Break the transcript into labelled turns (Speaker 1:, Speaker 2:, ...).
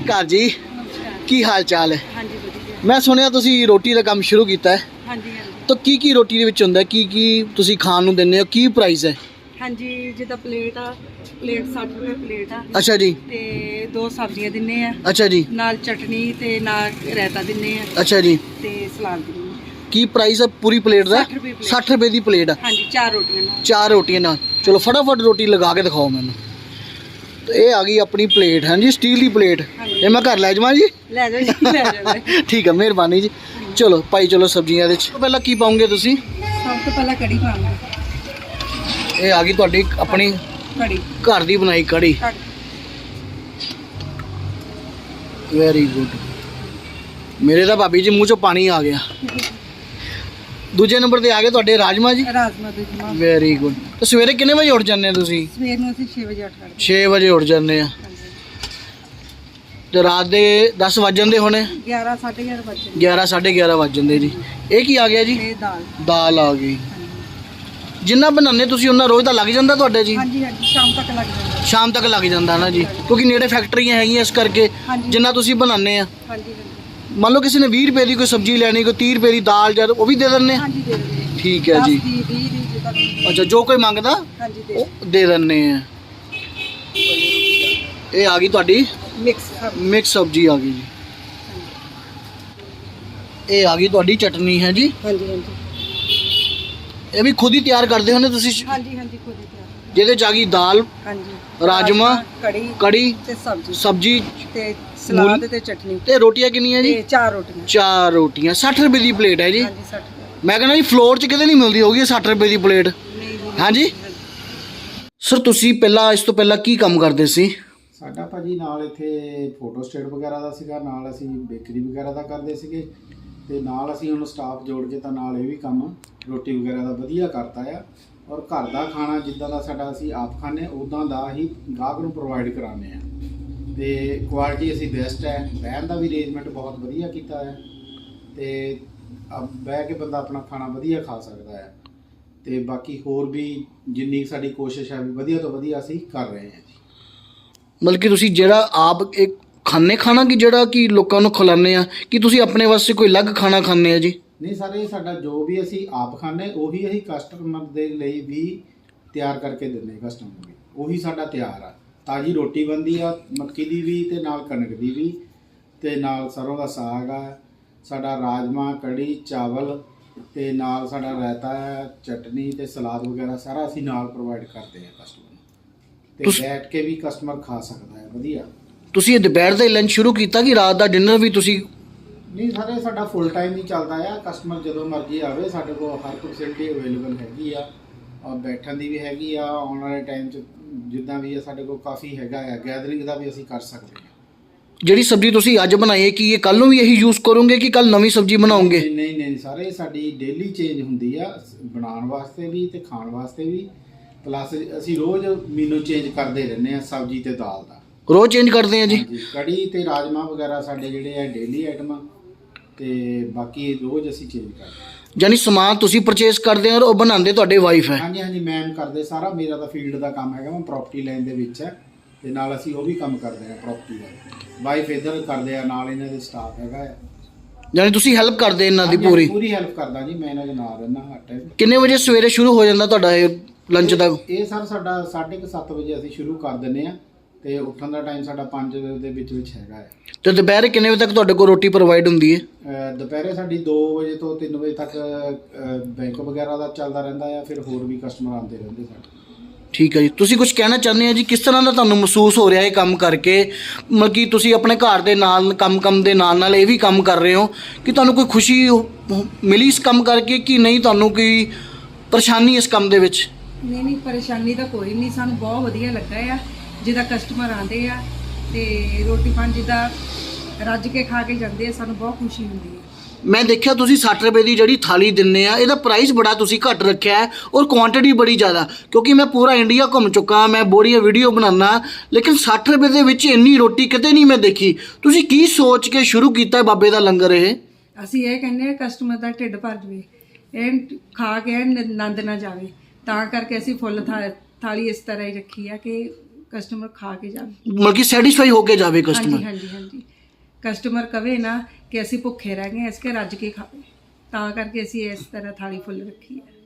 Speaker 1: ਘਰ ਜੀ ਕੀ ਹਾਲ ਚਾਲ ਹੈ?
Speaker 2: ਹਾਂਜੀ ਵਧੀਆ।
Speaker 1: ਮੈਂ ਸੁਣਿਆ ਤੁਸੀਂ ਰੋਟੀ ਦਾ ਕੰਮ ਸ਼ੁਰੂ ਕੀਤਾ ਹੈ।
Speaker 2: ਹਾਂਜੀ ਹਾਂਜੀ
Speaker 1: ਤਾਂ ਕੀ ਰੋਟੀ ਦੇ ਵਿੱਚ ਹੁੰਦਾ, ਕੀ ਤੁਸੀਂ ਖਾਣ ਨੂੰ ਦਿੰਦੇ ਹੋ, ਕੀ ਪ੍ਰਾਈਸ ਹੈ?
Speaker 2: ਹਾਂਜੀ ਜਿੱਦਾਂ ਪਲੇਟ ਆ, ਪਲੇਟ 60 ਰੁਪਏ ਪਲੇਟ ਆ
Speaker 1: ਅੱਛਾ ਜੀ।
Speaker 2: ਤੇ 2 ਸਬਜ਼ੀਆਂ ਦਿੰਨੇ ਆ,
Speaker 1: ਅੱਛਾ ਜੀ।
Speaker 2: ਨਾਲ ਚਟਨੀ ਤੇ ਨਾਲ ਰਾਇਤਾ ਦਿੰਨੇ ਆ
Speaker 1: ਅੱਛਾ ਜੀ।
Speaker 2: ਤੇ ਸਲਾਦ ਦਿੰਨੇ ਆ।
Speaker 1: ਕੀ ਪ੍ਰਾਈਸ ਹੈ ਪੂਰੀ ਪਲੇਟ ਦਾ?
Speaker 2: 60 ਰੁਪਏ ਪਲੇਟ।
Speaker 1: 60 ਰੁਪਏ ਦੀ ਪਲੇਟ ਆ?
Speaker 2: ਹਾਂਜੀ 4 ਰੋਟੀਆਂ ਨਾਲ।
Speaker 1: 4 ਰੋਟੀਆਂ ਨਾਲ। ਚਲੋ ਫਟਾਫਟ ਰੋਟੀ ਲਗਾ ਕੇ ਦਿਖਾਓ ਮੈਨੂੰ। ਤੇ ਇਹ ਆ ਗਈ ਆਪਣੀ ਪਲੇਟ। ਹਾਂਜੀ ਸਟੀਲ ਦੀ ਪਲੇਟ। ਇਹ ਮੈਂ ਘਰ ਲੈ ਜਾਵਾਂ ਜੀ?
Speaker 2: ਲੈ ਜਾਓ ਜੀ, ਲੈ ਜਾਓ।
Speaker 1: ਠੀਕ ਹੈ, ਮਿਹਰਬਾਨੀ ਜੀ। ਚਲੋ ਭਾਈ ਚਲੋ ਸਬਜ਼ੀਆਂ ਦੇ ਵਿੱਚ ਪਹਿਲਾਂ ਕੀ ਪਾਉਂਗੇ ਤੁਸੀਂ?
Speaker 2: ਸਭ ਤੋਂ ਪਹਿਲਾਂ ਕੜੀ ਪਾਵਾਂਗੇ।
Speaker 1: ਇਹ ਆ ਗਈ ਤੁਹਾਡੀ ਆਪਣੀ
Speaker 2: ਕੜੀ,
Speaker 1: ਘਰ ਦੀ ਬਣਾਈ ਕੜੀ। Very good. ਮੇਰੇ ਤਾਂ ਭਾਬੀ ਜੀ ਮੂੰਹ ਚੋਂ ਪਾਣੀ ਆ ਗਿਆ। ਦੂਜੇ ਨੰਬਰ ਤੇ ਆ ਗਏ ਤੁਹਾਡੇ ਰਾਜਮਾ ਜੀ।
Speaker 2: ਰਾਜਮਾ ਦੇ ਜਮਾ।
Speaker 1: Very good. ਤੇ ਸਵੇਰੇ ਕਿੰਨੇ ਵਜੇ ਉੱਠ ਜਾਂਦੇ ਆ ਤੁਸੀਂ?
Speaker 2: ਸਵੇਰ ਨੂੰ ਅਸੀਂ 6 ਵਜੇ ਉੱਠ ਖੜਦੇ।
Speaker 1: 6 ਵਜੇ ਉੱਠ ਜਾਂਦੇ ਆ ਤੇ ਰਾਤ ਦੇ 10 ਵੱਜ ਜਾਂਦੇ ਹੋਣੇ?
Speaker 2: 11 11:30 ਵਜੇ।
Speaker 1: 11 11:30 ਵੱਜ ਜਾਂਦੇ ਜੀ। ਇਹ ਕੀ ਆ ਗਿਆ ਜੀ?
Speaker 2: ਇਹ ਦਾਲ।
Speaker 1: ਦਾਲ ਆ ਗਈ। ਜਿੰਨਾ ਬਣਾਉਂਦੇ ਤੁਸੀਂ ਉਹਨਾਂ ਰੋਜ਼ ਦਾ ਲੱਗ ਜਾਂਦਾ ਤੁਹਾਡੇ ਜੀ?
Speaker 2: ਹਾਂਜੀ ਹਾਂਜੀ ਸ਼ਾਮ ਤੱਕ ਲੱਗ ਜਾਂਦਾ।
Speaker 1: ਸ਼ਾਮ ਤੱਕ ਲੱਗ ਜਾਂਦਾ ਨਾ ਜੀ, ਕਿਉਂਕਿ ਨੇੜੇ ਫੈਕਟਰੀਆਂ ਹੈਗੀਆਂ ਇਸ ਕਰਕੇ। ਜਿੰਨਾ ਤੁਸੀਂ ਬਣਾਉਂਦੇ ਆ,
Speaker 2: ਹਾਂਜੀ
Speaker 1: ਮੰਨ ਲਓ ਕਿਸੇ ਨੇ 20 ਰੁਪਏ ਦੀ ਕੋਈ ਸਬਜ਼ੀ ਲੈਣੀ, ਕੋਈ 30 ਰੁਪਏ ਦੀ ਦਾਲ, ਜਦ ਉਹ ਵੀ ਦੇ ਦਿੰਦੇ ਆ?
Speaker 2: ਹਾਂਜੀ ਦੇ ਦਿੰਦੇ।
Speaker 1: ਠੀਕ ਹੈ ਜੀ।
Speaker 2: 10 ਦੀ 20 ਦੀ ਜਿੱਦਾਂ ਦੀ।
Speaker 1: ਅੱਛਾ, ਜੋ ਕੋਈ ਮੰਗਦਾ
Speaker 2: ਹਾਂਜੀ ਦੇ
Speaker 1: ਉਹ ਦੇ ਦਿੰਦੇ ਆ। ਇਹ ਆ ਗਈ ਤੁਹਾਡੀ ਮਿਕਸ ਸਬਜ਼ੀ ਆ ਗਈ ਜੀ। ਇਹ ਆ ਗਈ ਤੁਹਾਡੀ ਚਟਨੀ ਹੈ ਜੀ।
Speaker 2: ਹਾਂਜੀ ਹਾਂਜੀ
Speaker 1: ਇਹ ਵੀ ਖੁਦ ਹੀ ਤਿਆਰ ਕਰਦੇ ਹੋ ਨੇ ਤੁਸੀਂ?
Speaker 2: ਹਾਂਜੀ ਹਾਂਜੀ ਖੁਦ ਹੀ ਤਿਆਰ।
Speaker 1: ਜਿਹਦੇ ਚ ਆ ਗਈ ਦਾਲ,
Speaker 2: ਹਾਂਜੀ
Speaker 1: ਰਾਜਮਾ, ਕੜੀ
Speaker 2: ਤੇ
Speaker 1: ਸਬਜ਼ੀ
Speaker 2: ਤੇ ਸਲਾਦ ਤੇ ਚਟਨੀ।
Speaker 1: ਤੇ ਰੋਟੀਆਂ ਕਿੰਨੀਆਂ ਜੀ?
Speaker 2: ਤੇ 4 ਰੋਟੀਆਂ।
Speaker 1: 4 ਰੋਟੀਆਂ 60 ਰੁਪਏ ਦੀ ਪਲੇਟ ਹੈ ਜੀ।
Speaker 2: ਹਾਂਜੀ 60 ਰੁਪਏ।
Speaker 1: ਮੈਂ ਕਹਿੰਦਾ ਜੀ ਫਲੋਰ 'ਚ ਕਿਤੇ ਨਹੀਂ ਮਿਲਦੀ ਹੋਗੀ 60 ਰੁਪਏ ਦੀ ਪਲੇਟ। ਹਾਂਜੀ ਸਰ, ਤੁਸੀਂ ਇਸ ਤੋਂ ਪਹਿਲਾਂ ਕੀ ਕੰਮ ਕਰਦੇ ਸੀ?
Speaker 3: ਸਾਡਾ ਭਾਜੀ ਨਾਲ ਇੱਥੇ ਫੋਟੋ ਸਟੇਟ ਵਗੈਰਾ ਦਾ ਸੀਗਾ, ਨਾਲ ਅਸੀਂ ਬੇਕਰੀ ਵਗੈਰਾ ਦਾ ਕਰਦੇ ਸੀਗੇ, ਤੇ ਨਾਲ ਅਸੀਂ ਹੁਣ ਸਟਾਫ ਜੋੜ ਕੇ ਤਾਂ ਨਾਲ ਇਹ ਵੀ ਕੰਮ ਰੋਟੀ ਵਗੈਰਾ ਦਾ ਵਧੀਆ ਕਰਤਾ ਆ। ਔਰ ਘਰ ਦਾ ਖਾਣਾ ਜਿੱਦਾਂ ਦਾ ਸਾਡਾ ਅਸੀਂ ਆਪ ਖਾਂਦੇ ਉੱਦਾਂ ਦਾ ਹੀ ਗਾਹਕ ਨੂੰ ਪ੍ਰੋਵਾਈਡ ਕਰਾਉਂਦੇ ਆ। ਤੇ ਕੁਆਲਿਟੀ ਅਸੀਂ ਬੈਸਟ ਹੈ। ਬਹਿਣ ਦਾ ਵੀ ਅਰੇਂਜਮੈਂਟ ਬਹੁਤ ਵਧੀਆ ਕੀਤਾ ਹੈ, ਤੇ ਬਹਿ ਕੇ ਬੰਦਾ ਆਪਣਾ ਖਾਣਾ ਵਧੀਆ ਖਾ ਸਕਦਾ ਹੈ। ਤੇ ਬਾਕੀ ਹੋਰ ਵੀ ਜਿੰਨੀ ਸਾਡੀ ਕੋਸ਼ਿਸ਼ ਹੈ ਵੀ ਵਧੀਆ ਤੋਂ ਵਧੀਆ ਅਸੀਂ ਕਰ ਰਹੇ ਹਾਂ ਜੀ।
Speaker 1: ਮਤਲਬ ਕਿ ਤੁਸੀਂ ਜਿਹੜਾ ਆਪ ਇੱਕ ਖਾਣੇ ਖਾਣਾ ਕਿ ਜਿਹੜਾ ਕਿ ਲੋਕਾਂ ਨੂੰ ਖਿਲਾਉਂਦੇ ਆ, ਕਿ ਤੁਸੀਂ ਆਪਣੇ ਵਾਸਤੇ ਕੋਈ ਅਲੱਗ ਖਾਣਾ ਖਾਂਦੇ ਆ ਜੀ?
Speaker 3: ਨਹੀਂ ਸਰ, ਇਹ ਸਾਡਾ ਜੋ ਵੀ ਅਸੀਂ ਆਪ ਖਾਂਦੇ ਉਹੀ ਅਸੀਂ ਕਸਟਮਰ ਦੇ ਲਈ ਵੀ ਤਿਆਰ ਕਰਕੇ ਦਿੰਦੇ। ਕਸਟਮਰ ਨੂੰ ਉਹੀ ਸਾਡਾ ਤਿਆਰ ਆ। ਤਾਜ਼ੀ ਰੋਟੀ ਬਣਦੀ ਆ, ਮੱਕੀ ਦੀ ਵੀ ਤੇ ਨਾਲ ਕਣਕ ਦੀ ਵੀ, ਤੇ ਨਾਲ ਸਰੋਂ ਦਾ ਸਾਗ ਆ, ਸਾਡਾ ਰਾਜਮਾ, ਕੜੀ, ਚਾਵਲ, ਤੇ ਨਾਲ ਸਾਡਾ ਰਾਇਤਾ ਹੈ, ਚਟਨੀ ਤੇ ਸਲਾਦ ਵਗੈਰਾ ਸਾਰਾ ਅਸੀਂ ਨਾਲ ਪ੍ਰੋਵਾਈਡ ਕਰਦੇ ਹਾਂ ਕਸਟਮਰ ਨੂੰ, ਤੇ ਬੈਠ ਕੇ ਵੀ ਕਸਟਮਰ ਖਾ ਸਕਦਾ ਹੈ ਵਧੀਆ। ਤੁਸੀਂ
Speaker 1: ਇਹ ਦੁਪਹਿਰ ਦਾ ਲੰਚ ਸ਼ੁਰੂ ਕੀਤਾ ਕਿ ਰਾਤ ਦਾ ਡਿਨਰ ਵੀ ਤੁਸੀਂ?
Speaker 3: ਨਹੀਂ ਸਾਰੇ ਸਾਡਾ ਫੁੱਲ ਟਾਈਮ ਹੀ ਚੱਲਦਾ ਆ। ਕਸਟਮਰ ਜਦੋਂ ਮਰਜ਼ੀ ਆਵੇ, ਸਾਡੇ ਕੋਲ ਹਰ ਫੈਸਿਲਿਟੀ ਅਵੇਲੇਬਲ ਹੈਗੀ ਆ, ਔਰ ਬੈਠਣ ਦੀ ਵੀ ਹੈਗੀ ਆ। ਆਉਣ ਵਾਲੇ ਟਾਈਮ 'ਚ ਜਿੱਦਾਂ ਵੀ ਆ ਸਾਡੇ ਕੋਲ ਕਾਫੀ ਹੈਗਾ ਆ, ਗੈਦਰਿੰਗ ਦਾ ਵੀ ਅਸੀਂ ਕਰ ਸਕਦੇ ਹਾਂ।
Speaker 1: ਜਿਹੜੀ ਸਬਜ਼ੀ ਤੁਸੀਂ ਅੱਜ ਬਣਾਈ ਹੈ ਕਿ ਇਹ ਕੱਲ ਨੂੰ ਵੀ ਇਹੀ ਯੂਜ਼ ਕਰੋਗੇ ਕਿ ਕੱਲ ਨਵੀਂ ਸਬਜ਼ੀ ਬਣਾਓਗੇ?
Speaker 3: ਨਹੀਂ ਸਾਰੇ ਸਾਡੀ ਡੇਲੀ ਚੇਂਜ ਹੁੰਦੀ ਆ, ਬਣਾਉਣ ਵਾਸਤੇ ਵੀ ਤੇ ਖਾਣ ਵਾਸਤੇ ਵੀ। ਪਲੱਸ ਅਸੀਂ ਰੋਜ਼ ਮੀਨੂ ਚੇਂਜ ਕਰਦੇ ਰਹਿੰਦੇ ਆ ਸਬਜ਼ੀ ਤੇ ਦਾਲ ਦਾ।
Speaker 1: ਰੋਜ਼ ਚੇਂਜ ਕਰਦੇ ਆ ਜੀ?
Speaker 3: ਕੜੀ ਤੇ ਰਾਜਮਾ ਵਗੈਰਾ ਸਾਡੇ ਜਿਹੜੇ ਆ ਡੇਲੀ ਆਈਟਮਾਂ, ਤੇ ਬਾਕੀ ਰੋਜ਼ ਅਸੀਂ ਚੇਂਜ ਕਰਦੇ ਹਾਂ।
Speaker 1: ਯਾਨੀ ਸਮਾਨ ਤੁਸੀਂ ਪਰਚੇਸ ਕਰਦੇ ਹੋ ਔਰ ਉਹ ਬਣਾਉਂਦੇ ਤੁਹਾਡੇ ਵਾਈਫ ਹੈ?
Speaker 3: ਹਾਂਜੀ ਮੈਮ ਕਰਦੇ ਸਾਰਾ। ਮੇਰਾ ਤਾਂ ਫੀਲਡ ਦਾ ਕੰਮ ਹੈਗਾ, ਮੈਂ ਪ੍ਰਾਪਰਟੀ ਲਾਈਨ ਦੇ ਵਿੱਚ ਹੈ, ਤੇ ਨਾਲ ਅਸੀਂ ਉਹ ਵੀ ਕੰਮ ਕਰਦੇ ਹਾਂ ਪ੍ਰਾਪਰਟੀ ਦਾ। ਵਾਈਫ ਇੱਧਰ ਕਰਦੇ ਆ, ਨਾਲ ਇਹਨਾਂ ਦੇ ਸਟਾਫ ਹੈਗਾ।
Speaker 1: ਯਾਨੀ ਤੁਸੀਂ ਹੈਲਪ ਕਰਦੇ ਇਹਨਾਂ ਦੀ?
Speaker 3: ਪੂਰੀ ਹੈਲਪ ਕਰਦਾ ਜੀ, ਮੈਂ ਇਹਨਾਂ ਦੇ ਨਾਲ ਰਹਿਣਾ ਹਰ ਟਾਈਮ।
Speaker 1: ਕਿੰਨੇ ਵਜੇ ਸਵੇਰੇ ਸ਼ੁਰੂ ਹੋ ਜਾਂਦਾ ਤੁਹਾਡਾ ਇਹ ਲੰਚ ਦਾ?
Speaker 3: ਇਹ ਸਰ ਸਾਡਾ 7:30 ਵਜੇ ਅਸੀਂ ਸ਼ੁਰੂ ਕਰ ਦਿੰਦੇ ਆ, ਤੇ ਉੱਠਣ ਦਾ ਟਾਈਮ ਸਾਡਾ 5 ਵਜੇ ਦੇ ਵਿੱਚ ਹੈਗਾ ਹੈ।
Speaker 1: ਤੇ ਦੁਪਹਿਰੇ ਕਿੰਨੇ ਵਜੇ ਤੱਕ ਤੁਹਾਡੇ ਕੋਲ ਰੋਟੀ ਪ੍ਰੋਵਾਈਡ ਹੁੰਦੀ ਹੈ?
Speaker 3: ਦੁਪਹਿਰੇ ਸਾਡੀ 2 ਵਜੇ ਤੋਂ 3 ਵਜੇ ਤੱਕ ਬੈਂਕ ਵਗੈਰਾ ਦਾ ਚੱਲਦਾ ਰਹਿੰਦਾ ਆ, ਫਿਰ ਹੋਰ ਵੀ ਕਸਟਮਰ ਆਉਂਦੇ ਰਹਿੰਦੇ ਸਾਡੇ। ਠੀਕ ਹੈ ਜੀ। ਤੁਸੀਂ ਕੁਝ ਕਹਿਣਾ ਚਾਹੁੰਦੇ ਆ ਜੀ? ਕਿਸ ਤਰ੍ਹਾਂ ਦਾ ਤੁਹਾਨੂੰ ਮਹਿਸੂਸ ਹੋ ਰਿਹਾ ਇਹ ਕੰਮ ਕਰਕੇ? ਮਤਲਬ ਕਿ ਤੁਸੀਂ ਆਪਣੇ ਘਰ ਦੇ ਨਾਲ ਕੰਮ ਦੇ ਨਾਲ ਇਹ ਵੀ ਕੰਮ ਕਰ ਰਹੇ ਹੋ, ਕਿ ਤੁਹਾਨੂੰ ਕੋਈ ਖੁਸ਼ੀ ਮਿਲੀ ਇਸ ਕੰਮ ਕਰਕੇ ਕਿ ਨਹੀਂ? ਤੁਹਾਨੂੰ ਕੋਈ ਪਰੇਸ਼ਾਨੀ ਇਸ ਕੰਮ ਦੇ ਵਿੱਚ?
Speaker 2: ਨਹੀਂ ਪਰੇਸ਼ਾਨੀ ਤਾਂ ਕੋਈ ਨਹੀਂ, ਸਾਨੂੰ ਬਹੁਤ ਵਧੀਆ ਲੱਗਾ ਆ। ਜਿੱਦਾਂ ਕਸਟਮਰ ਆਉਂਦੇ ਆ ਤੇ ਰੋਟੀ ਪਾਣੀ ਜਿੱਦਾਂ ਰੱਜ ਕੇ ਖਾ ਕੇ ਜਾਂਦੇ ਆ, ਸਾਨੂੰ ਬਹੁਤ ਖੁਸ਼ੀ ਹੁੰਦੀ ਹੈ।
Speaker 1: ਮੈਂ ਦੇਖਿਆ ਤੁਸੀਂ 60 ਰੁਪਏ ਦੀ ਜਿਹੜੀ ਥਾਲੀ ਦਿੰਦੇ ਆ, ਇਹਦਾ ਪ੍ਰਾਈਸ ਬੜਾ ਤੁਸੀਂ ਘੱਟ ਰੱਖਿਆ ਹੈ ਔਰ ਕੁਆਂਟੀਟੀ ਬੜੀ ਜ਼ਿਆਦਾ। ਕਿਉਂਕਿ ਮੈਂ ਪੂਰਾ ਇੰਡੀਆ ਘੁੰਮ ਚੁੱਕਾ, ਮੈਂ ਬੜੀਆਂ ਵੀਡੀਓ ਬਣਾਉਣਾ, ਲੇਕਿਨ 60 ਰੁਪਏ ਦੇ ਵਿੱਚ ਇੰਨੀ ਰੋਟੀ ਕਿਤੇ ਨਹੀਂ ਮੈਂ ਦੇਖੀ। ਤੁਸੀਂ ਕੀ ਸੋਚ ਕੇ ਸ਼ੁਰੂ ਕੀਤਾ ਬਾਬੇ ਦਾ ਲੰਗਰ ਇਹ?
Speaker 2: ਅਸੀਂ ਇਹ ਕਹਿੰਦੇ ਆ ਕਸਟਮਰ ਦਾ ਢਿੱਡ ਭਰ ਜਾਵੇ, ਇਹ ਖਾ ਕੇ ਆਨੰਦ ਨਾ ਜਾਵੇ, ਤਾਂ ਕਰਕੇ ਅਸੀਂ ਫੁੱਲ ਥਾਲੀ ਇਸ ਤਰ੍ਹਾਂ ਹੀ ਰੱਖੀ ਆ ਕਿ ਕਸਟਮਰ ਖਾ ਕੇ ਜਾਵੇ।
Speaker 1: ਮਤਲਬ ਕਿ ਸੈਟੀਸਫਾਈ ਹੋ ਕੇ ਜਾਵੇ
Speaker 2: ਹਾਂਜੀ
Speaker 1: ਕਸਟਮਰ।
Speaker 2: ਹਾਂਜੀ ਹਾਂਜੀ, ਕਸਟਮਰ ਕਵੇ ਨਾ ਕਿ ਅਸੀਂ ਭੁੱਖੇ ਰਹਿ ਗਏ, ਇਸ ਕੇ ਰੱਜ ਕੇ ਖਾਵੇ, ਤਾਂ ਕਰਕੇ ਅਸੀਂ ਇਸ ਤਰ੍ਹਾਂ ਥਾਲੀ ਫੁੱਲ ਰੱਖੀ ਹੈ।